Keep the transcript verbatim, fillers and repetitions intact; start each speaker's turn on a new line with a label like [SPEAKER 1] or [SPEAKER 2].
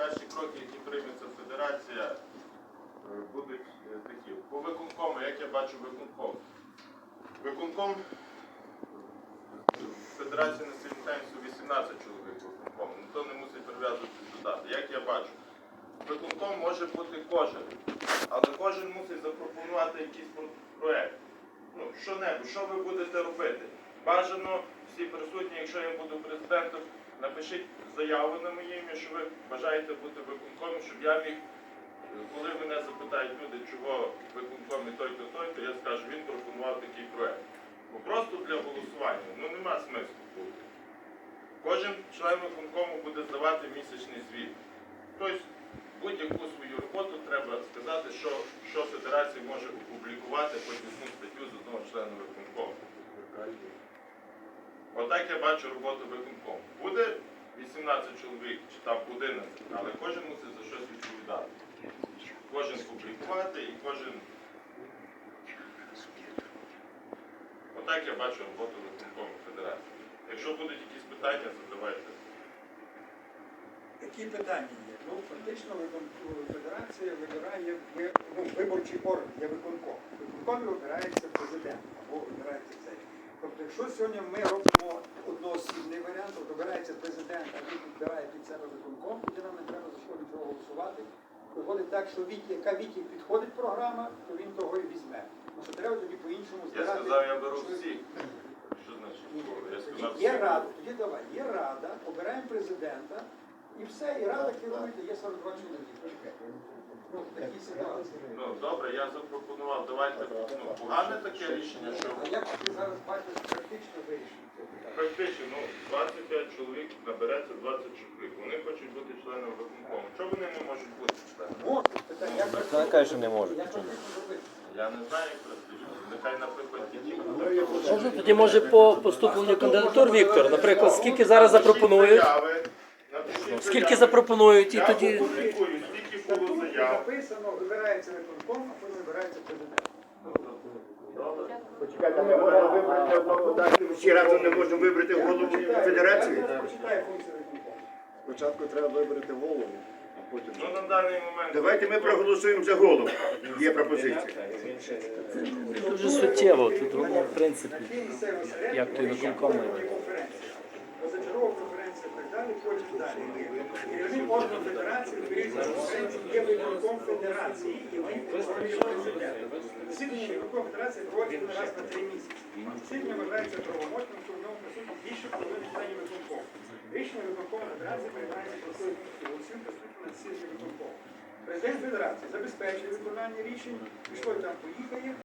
[SPEAKER 1] перші кроки, які прийметься федерація, будуть такі. По виконкому, як я бачу виконком. Виконком Федерації національного тенісу вісімнадцять чоловік виконком. Ніхто не мусить прив'язуватися до дати. Як я бачу, виконком може бути кожен, але кожен мусить запропонувати якийсь проєкт. Ну, що-небудь, що ви будете робити. Бажано всі присутні, якщо я буду президентом, напишіть заяву на моє ім'я, що ви бажаєте бути виконкомом, щоб я міг, коли мене запитають люди, чого виконком і той-то, той-то, я скажу, він пропонував такий проєкт. Бо просто для голосування, ну нема смислу бути. Кожен член виконкому буде здавати місячний звіт. Тобто, будь-яку свою роботу треба сказати, що, що федерація може опублікувати хоч одну статтю з одного члена виконкому. Отак я бачу роботу виконкому. Буде вісімнадцять чоловік, чи там одинадцять, але кожен мусить за щось відповідати. Кожен публікувати і кожен... Отак я бачу роботу виконкому федерації. Якщо будуть якісь питання, задавайте.
[SPEAKER 2] Які питання є? Ну, фактично, федерація вибирає ну, виборчий орган, є виконком. Виконком вибирається президент або вибирається цей. Тобто, якщо сьогодні ми робимо одноосібний варіант, то вибирається президент, а він підбирає під себе виконком, тоді нам не треба за що нічого голосувати. Виходить так, що від, яка Віті підходить програма, то він того і візьме. Ну, що треба тоді по-іншому збирати.
[SPEAKER 1] Я сказав, я беру всіх. Що значить? Я сказав,
[SPEAKER 2] Є рада, тоді давай, є рада, обираємо президента, і все, і рада керує, є сорок два чоловіки. Ну, такі ситуації.
[SPEAKER 1] Ну, добре, я запропонував, давайте, ну, погане таке рішення, що...
[SPEAKER 2] А як ти зараз бачиш практично вирішення цього питання?
[SPEAKER 1] Практично, ну, двадцять п'ять чоловік набереться двадцять чоловік. Вони хочуть бути членами виконкому. Чого вони не можуть бути членами?
[SPEAKER 2] Можуть, питання, як практично?
[SPEAKER 3] Вона каже, що не можуть.
[SPEAKER 2] Як практично робити?
[SPEAKER 1] Я не знаю, як практично. Нехай, наприклад, ті,
[SPEAKER 4] Можна тоді, може, по поступленню кандидатур, Віктор, наприклад, скільки зараз запропонують, скільки запропонують, і
[SPEAKER 1] я
[SPEAKER 4] тоді...
[SPEAKER 1] опублікую, скільки було
[SPEAKER 2] Тут
[SPEAKER 1] заяв.
[SPEAKER 2] записано, вибирається виконком, а потім вибирається президент.
[SPEAKER 1] Добре.
[SPEAKER 5] Почекайте, ми можемо вибрати одного дати. Всі разом не можемо вибрати голову федерації.
[SPEAKER 2] Я почитаю функцію виконкому.
[SPEAKER 5] Спочатку треба вибрати голову, а потім...
[SPEAKER 1] Ну, на даний момент...
[SPEAKER 5] Давайте ми проголосуємо за голову. Є пропозиція.
[SPEAKER 4] Це дуже суттєво, тут воно, в принципі,
[SPEAKER 2] Такі місцеві середні,
[SPEAKER 4] як той виконком має бути.
[SPEAKER 2] позачергова конференція і так далі, потім далі. Керівник органу федерації, відповідно конференції, є виконком федерації, і він створює президента. Засідання виконком федерації проводиться раз на три місяці. Засідання вважається правомочним, що в ньому присутні більше половини членів виконкому. Рішення виконкому федерації приймається присутністю голосів присутні на засіданні виконкому. Президент федерації забезпечує виконання рішень, пішло там поїхає.